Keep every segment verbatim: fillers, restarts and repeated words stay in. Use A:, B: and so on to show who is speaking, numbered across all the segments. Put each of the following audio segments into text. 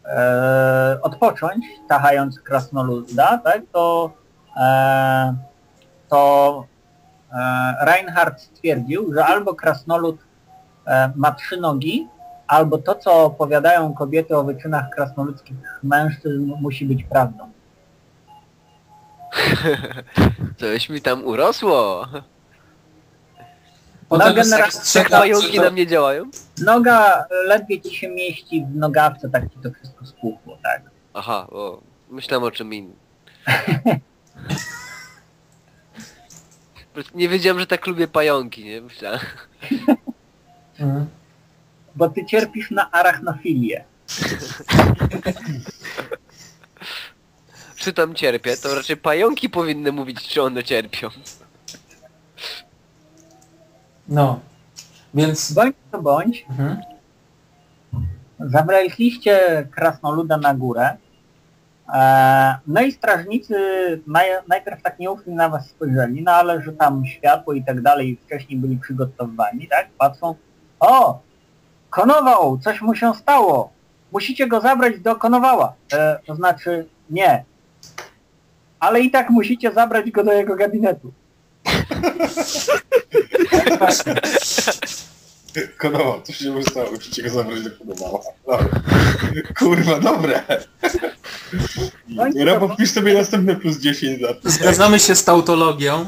A: e, odpocząć, tachając krasnoluda, tak, to, e, to e, Reinhardt stwierdził, że albo krasnolud e, ma trzy nogi, albo to, co opowiadają kobiety o wyczynach krasnoludzkich mężczyzn, musi być prawdą.
B: Coś mi tam urosło.
A: No,
C: Potem
A: generalnie
B: Jak pająki na mnie działają?
A: noga ledwie ci się mieści w nogawce, tak ci to wszystko spłuchło, tak?
B: Aha, o, myślałem o czym innym. Po prostu nie wiedziałem, że tak lubię pająki, nie? Myślałem.
C: Mhm.
A: Bo ty cierpisz na arachnofilię.
B: Czy tam cierpię, to raczej pająki powinny mówić, czy one cierpią.
C: No. Więc...
A: Bądź to bądź,
C: Mhm.
A: zabraliście krasnoluda na górę, e, no i strażnicy naj, najpierw tak nieufnie na was spojrzeli, no ale że tam światło i tak dalej wcześniej byli przygotowani, tak? Patrzą, o! Konował! Coś mu się stało! Musicie go zabrać do Konowała. E, to znaczy, nie. Ale i tak musicie zabrać go do jego gabinetu.
D: Konował, co się stało? Musicie go zabrać do Konowała. Dobra. Kurwa, dobre. Robo, wpisz sobie następne plus dziesięć lat.
C: Zgadzamy się z tautologią.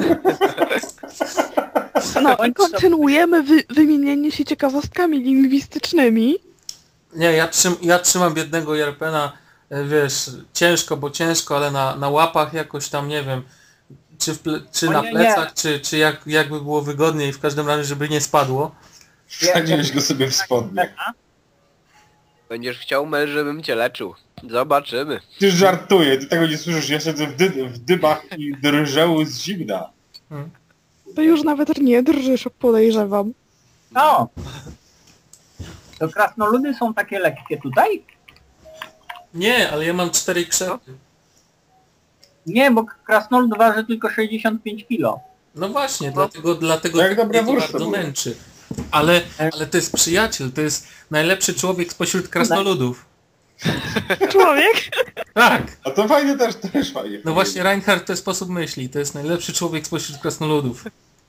E: No i kontynuujemy wy wymienienie się ciekawostkami lingwistycznymi.
C: Nie, ja, trzym, ja trzymam biednego Jerpena, e, wiesz, ciężko, bo ciężko, ale na, na łapach jakoś tam, nie wiem, czy, w ple, czy
A: O
C: na
A: nie,
C: plecach,
A: nie.
C: czy, czy jak, jakby było wygodniej, w każdym razie, żeby nie spadło.
D: Wsadziłeś go sobie w spodnie.
B: Będziesz chciał męż, żebym cię leczył. Zobaczymy.
D: Ty żartuję, ty tego nie słyszysz, ja siedzę w, dy w dybach i drżę z zimna.
E: To już nawet nie drżysz, podejrzewam.
A: No. To krasnoludy są takie lekkie tutaj?
C: Nie, ale ja mam cztery krzepy.
A: Nie, bo krasnolud waży tylko sześćdziesiąt pięć kilo.
C: No właśnie, dlatego, dlatego
D: Jak dobra
C: mnie to
D: wróżka
C: bardzo
D: była.
C: męczy. Ale, ale to jest przyjaciel, to jest najlepszy człowiek spośród krasnoludów.
E: Człowiek?
C: Tak!
D: A to fajne też, też fajnie.
C: No właśnie Reinhardt to jest sposób myśli, to jest najlepszy człowiek spośród krasnoludów.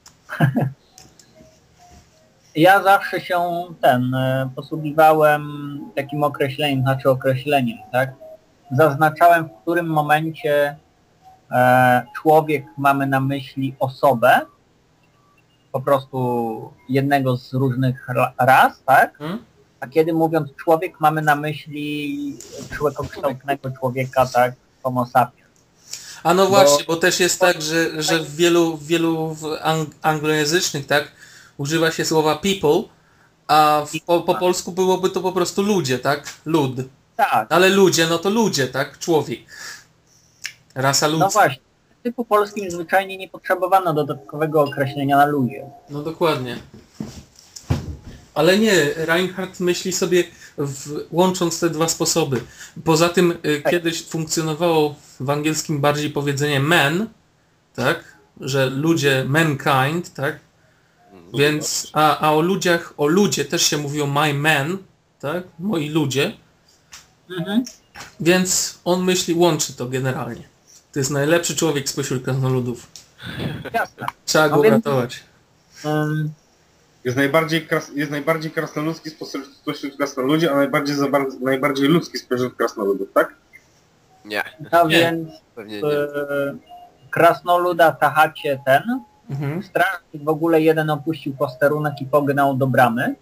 A: Ja zawsze się ten e, posługiwałem takim określeniem, znaczy określeniem, tak? Zaznaczałem, w którym momencie e, człowiek mamy na myśli osobę, po prostu jednego z różnych ra ras, tak?
C: Hmm?
A: A kiedy mówiąc człowiek mamy na myśli człowiekokształtnego człowieka, tak? Homo sapiens.
C: A no
A: Bo-
C: właśnie, bo też jest tak, że, że w wielu, w wielu w ang anglojęzycznych, tak, używa się słowa people, a w, po, po polsku byłoby to po prostu ludzie, tak? Lud.
A: Tak,
C: Ale ludzie, no to ludzie, tak? Człowiek. Rasa ludzka.
A: no właśnie. W typu polskim zwyczajnie nie potrzebowano dodatkowego określenia na ludzie.
C: No dokładnie. Ale nie, Reinhardt myśli sobie, w, łącząc te dwa sposoby. Poza tym y,
A: Tak.
C: kiedyś funkcjonowało w angielskim bardziej powiedzenie man, tak? Że ludzie, mankind, tak? Więc, a, a o ludziach, o ludzie też się mówiło my men, tak? Moi ludzie.
A: Mhm.
C: Więc on myśli, łączy to generalnie. To jest najlepszy człowiek spośród krasnoludów.
A: Jasne.
C: Trzeba
A: No
C: go
A: więc-
C: uratować.
A: Um,
D: Jest najbardziej, kras jest najbardziej krasnoludzki spośród, spośród krasnoludzi, a najbardziej, za bar najbardziej ludzki spośród krasnoludów, tak?
B: Nie,
A: no
C: Nie.
A: więc
B: pewnie
A: e,
B: nie.
A: krasnoluda tachacie ten.
C: Mhm.
A: Strażnik w ogóle jeden opuścił posterunek i pognał do bramy.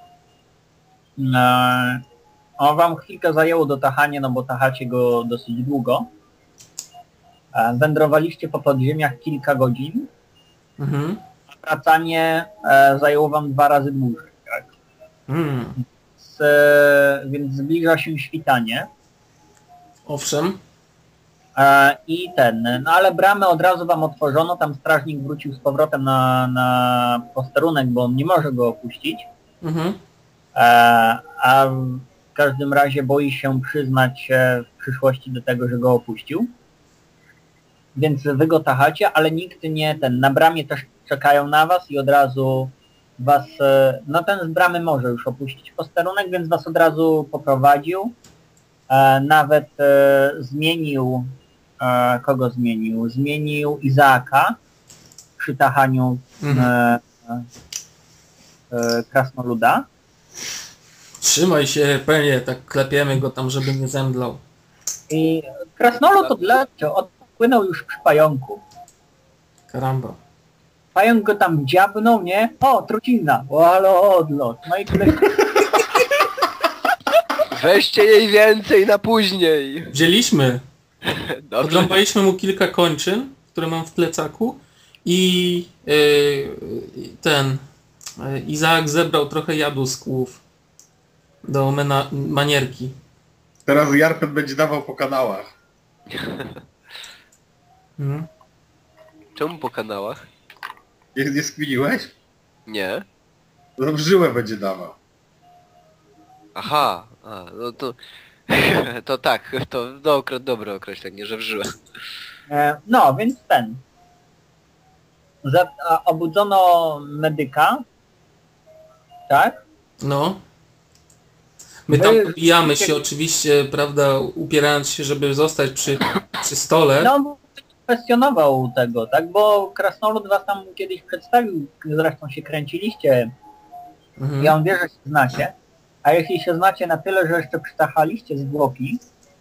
A: E, on wam chwilkę zajęło do tahania, no bo tachacie go dosyć długo. E, wędrowaliście po podziemiach kilka godzin.
C: Mhm.
A: Wracanie e, zajęło wam dwa razy dłużej. Tak?
C: Mm.
A: Z, e, więc zbliża się świtanie.
C: Owszem.
A: E, I ten, no ale bramę od razu wam otworzono, tam strażnik wrócił z powrotem na, na posterunek, bo on nie może go opuścić.
C: Mhm.
A: E, a w każdym razie boi się przyznać się w przyszłości do tego, że go opuścił. Więc wy go tachacie, ale nikt nie ten, na bramie też czekają na was i od razu was, e, no ten z bramy może już opuścić posterunek, więc was od razu poprowadził E, nawet e, zmienił, e, kogo zmienił? Zmienił Izaaka przy tachaniu
C: Mhm.
A: e, e, krasnoluda.
C: Trzymaj się, penie, tak klepiemy go tam, żeby nie zemdlał.
A: I krasnolud odleciał, odpłynął już przy pająku.
C: Karamba.
A: Pająk go tam dziabnął, nie? O, trucizna! O, ale odlot. No i tyle.
B: Weźcie jej więcej na później.
C: Wzięliśmy.
B: Dobrze.
C: Odrąbaliśmy mu kilka kończyn, które mam w plecaku i yy, ten yy, Izaak zebrał trochę jadu z kłów do mena, manierki.
D: Teraz Jarpet będzie dawał po kanałach.
C: Mhm.
B: Czemu po kanałach?
D: Nie, nie skminiłeś?
B: Nie.
D: No w żyłę będzie dawał.
B: Aha, a, no to... To tak, to do, dobre określenie, że wżyłem.
A: E, no, więc ten. Za, a, obudzono medyka. Tak?
C: No. My tam
A: Wy-
C: pobijamy się oczywiście, prawda, upierając się, żeby zostać przy, przy stole.
A: No, kwestionował tego, tak? Bo krasnolud was tam kiedyś przedstawił, zresztą się kręciliście.
C: Mhm.
A: I on wie, że się znacie. A jeśli się znacie na tyle, że jeszcze przytachaliście zwłoki,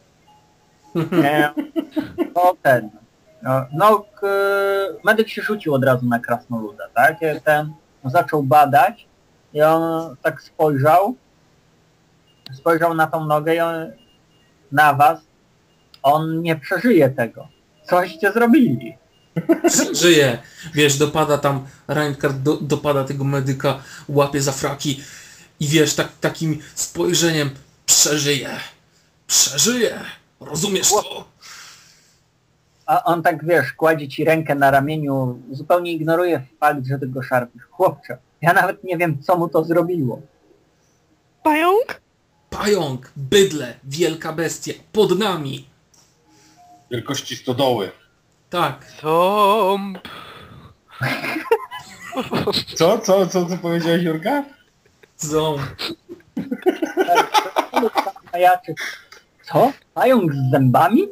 A: e, to ten... No, no k, medyk się rzucił od razu na krasnoluda, tak? I ten zaczął badać i on tak spojrzał, spojrzał na tą nogę i on, na was, on nie przeżyje tego. Coście zrobili.
C: Żyje. Wiesz, dopada tam, Reinhardt do, dopada tego medyka, łapie za fraki i wiesz, tak, takim spojrzeniem przeżyje. Przeżyje. Rozumiesz to?
A: A on tak, wiesz, kładzie ci rękę na ramieniu, zupełnie ignoruje fakt, że tego szarpisz. Chłopcze, ja nawet nie wiem, co mu to zrobiło.
E: Pająk?
C: Pająk, bydlę, wielka bestia, pod nami.
D: Wielkości stodoły.
C: Tak.
B: Ząb.
D: Co? Co? Co? Co powiedziałeś, Jurka?
C: Ząb.
A: Majaczy. Co? Pająk z zębami?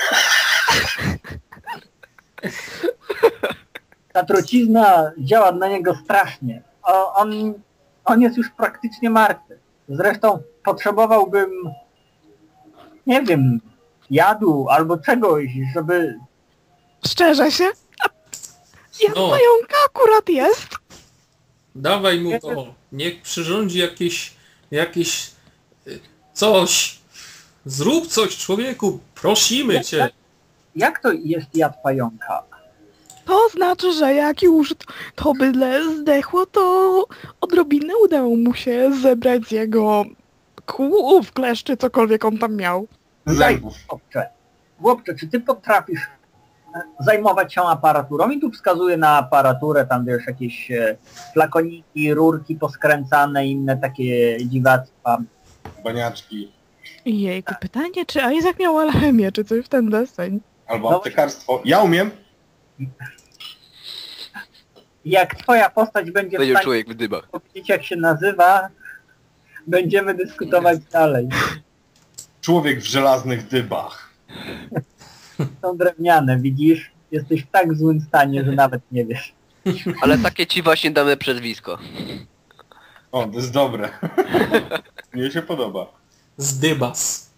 A: Ta trucizna działa na niego strasznie. O, on, on jest już praktycznie martwy. Zresztą potrzebowałbym, nie wiem, jadu albo czegoś, żeby...
E: Szczerze się? Ja
C: No.
E: pająka akurat jest.
C: Dawaj mu to. Niech przyrządzi jakieś, jakieś y, coś. Zrób coś, człowieku. Prosimy cię.
A: Jak to jest jad pająka?
E: To znaczy, że jak już to bydle zdechło, to odrobinę udało mu się zebrać z jego kłów, kleszczy, cokolwiek on tam miał.
D: Zębów.
A: Chłopcze, chłopcze, czy ty potrafisz e, zajmować się aparaturą? I tu wskazuję na aparaturę, tam wiesz, jakieś e, flakoniki, rurki poskręcane, inne takie dziwactwa.
D: Baniaczki.
E: Jejku, pytanie, czy Isaac miał alchemię, czy coś w ten deseń?
D: Albo
A: No.
D: aptekarstwo. Ja umiem.
A: Jak twoja postać będzie w
B: Będzie
A: stanie
B: człowiek w dybach.
A: powiedzieć, jak się nazywa, będziemy dyskutować dalej.
D: Człowiek w żelaznych dybach.
A: Są drewniane, widzisz? Jesteś w tak złym stanie, że nawet nie wiesz.
B: Ale takie ci właśnie damy przezwisko.
D: O, to jest dobre. Mnie się podoba.
C: Zdybas.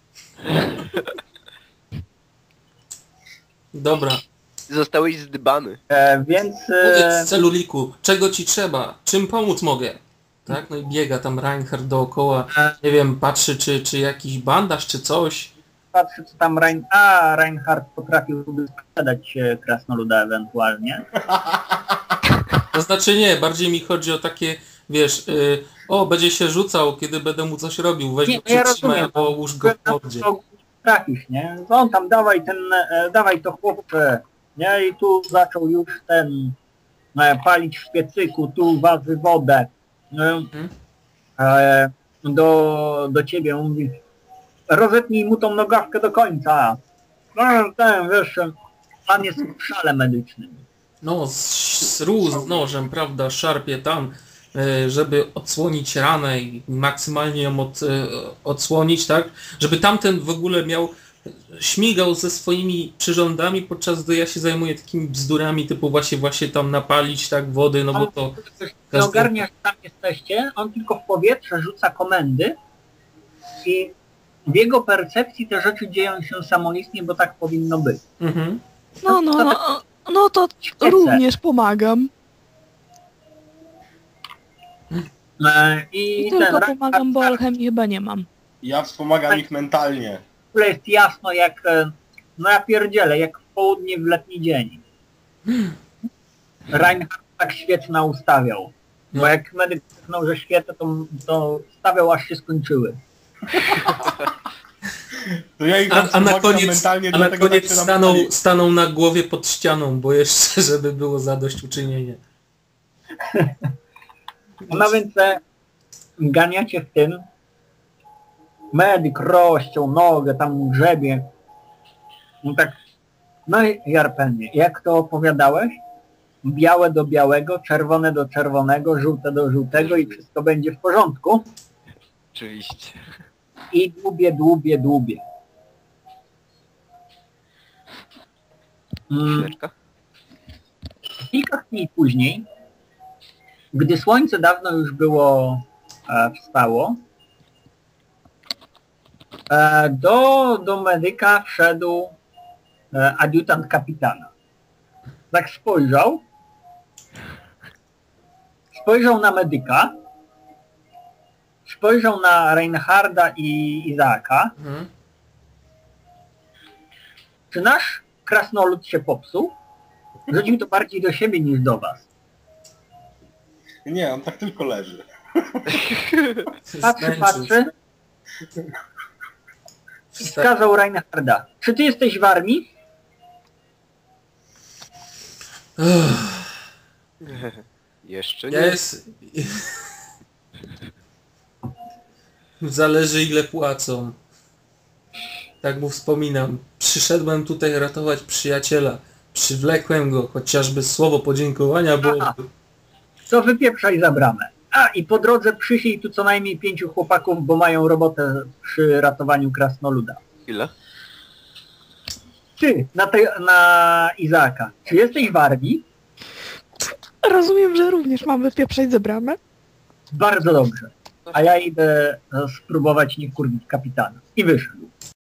C: Dobra.
B: Zostałeś zdybany.
A: E, więc... E,
C: Powiedz celuliku, czego ci trzeba? Czym pomóc mogę? Tak? No i biega tam Reinhardt dookoła. Nie wiem, patrzy czy, czy jakiś bandaż, czy coś.
A: patrzę, co tam Rein... A, Reinhardt potrafiłby sprzedać e, krasnoluda ewentualnie.
C: To znaczy nie, bardziej mi chodzi o takie, wiesz, y, o, będzie się rzucał, kiedy będę mu coś robił, weź
A: Nie,
C: go
A: ja
C: przytrzymaj
A: rozumiem.
C: albo łóż go w mordzie.
A: Trafisz, nie? No on tam dawaj ten, e, dawaj to chłopcze, nie? I tu zaczął już ten e, palić w piecyku, tu waży wodę. E, e, do, do ciebie mówi, rozetnij mu tą nogawkę do końca. No ten, wiesz, pan jest w szale medycznym.
C: No, z, z ruz, z nożem, prawda, szarpie tam, e, żeby odsłonić ranę i maksymalnie ją od, e, odsłonić, tak? Żeby tamten w ogóle miał, śmigał ze swoimi przyrządami, podczas gdy ja się zajmuję takimi bzdurami typu właśnie właśnie tam napalić, tak, wody, no bo to...
A: Nie ogarniasz, tam jesteście, on tylko w powietrze rzuca komendy i w jego percepcji te rzeczy dzieją się samoistnie, bo tak powinno być.
C: Mhm.
E: No, no, no, no to
A: Świecę.
E: również pomagam.
A: E, I
E: I
A: ten
E: tylko
A: rak-
E: pomagam, bo alchemii chyba nie mam.
D: Ja wspomagam ich mentalnie.
A: w ogóle jest jasno jak, e, no ja pierdzielę, jak w południe w letni dzień. Reinhardt tak świetna ustawiał. Bo
C: No.
A: jak medyk krzyknął, że świetne, to, to stawiał aż się skończyły.
D: To ja ich
C: A, a na
D: wspomagam
C: koniec,
D: mentalnie,
C: a na
D: dlatego
C: koniec
D: tak się
C: stanął,
D: namyślali.
C: stanął na głowie pod ścianą, bo jeszcze, żeby było zadośćuczynienie.
A: No więc e, ganiacie w tym. Medyk rozciął nogę, tam grzebie. No tak, no i Jarpenie, jak to opowiadałeś? Białe do białego, czerwone do czerwonego, żółte do żółtego i wszystko będzie w porządku.
B: Oczywiście.
A: I dłubie, dłubie, dłubie. Mm,
B: Chwileczka.
A: kilka chwil później, gdy słońce dawno już było e, wstało, e, do, do medyka wszedł e, adiutant kapitana. Tak spojrzał, spojrzał na medyka, spojrzał na Reinharda i Izaaka.
C: Mhm.
A: Czy nasz krasnolud się popsuł? Rzucił to bardziej do siebie niż do was.
D: Nie, on tak tylko leży.
A: Patrzy,
C: Zmęczył
A: patrzy i wskazał Reinharda. Czy ty jesteś w armii?
C: Uff,
B: Jeszcze nie.
C: Jest... Zależy ile płacą. Tak mu wspominam. Przyszedłem tutaj ratować przyjaciela. Przywlekłem go, chociażby słowo podziękowania byłoby.
A: To wypieprzaj za bramę. A i po drodze przyślij tu co najmniej pięciu chłopaków, bo mają robotę przy ratowaniu krasnoluda.
B: Ile?
A: Ty, na, te, na Izaaka, czy jesteś w armii?
E: Rozumiem, że również mam wypieprzać ze bramę.
A: Bardzo dobrze. A ja idę e, spróbować nie wkurwić kapitana. I wyszedł.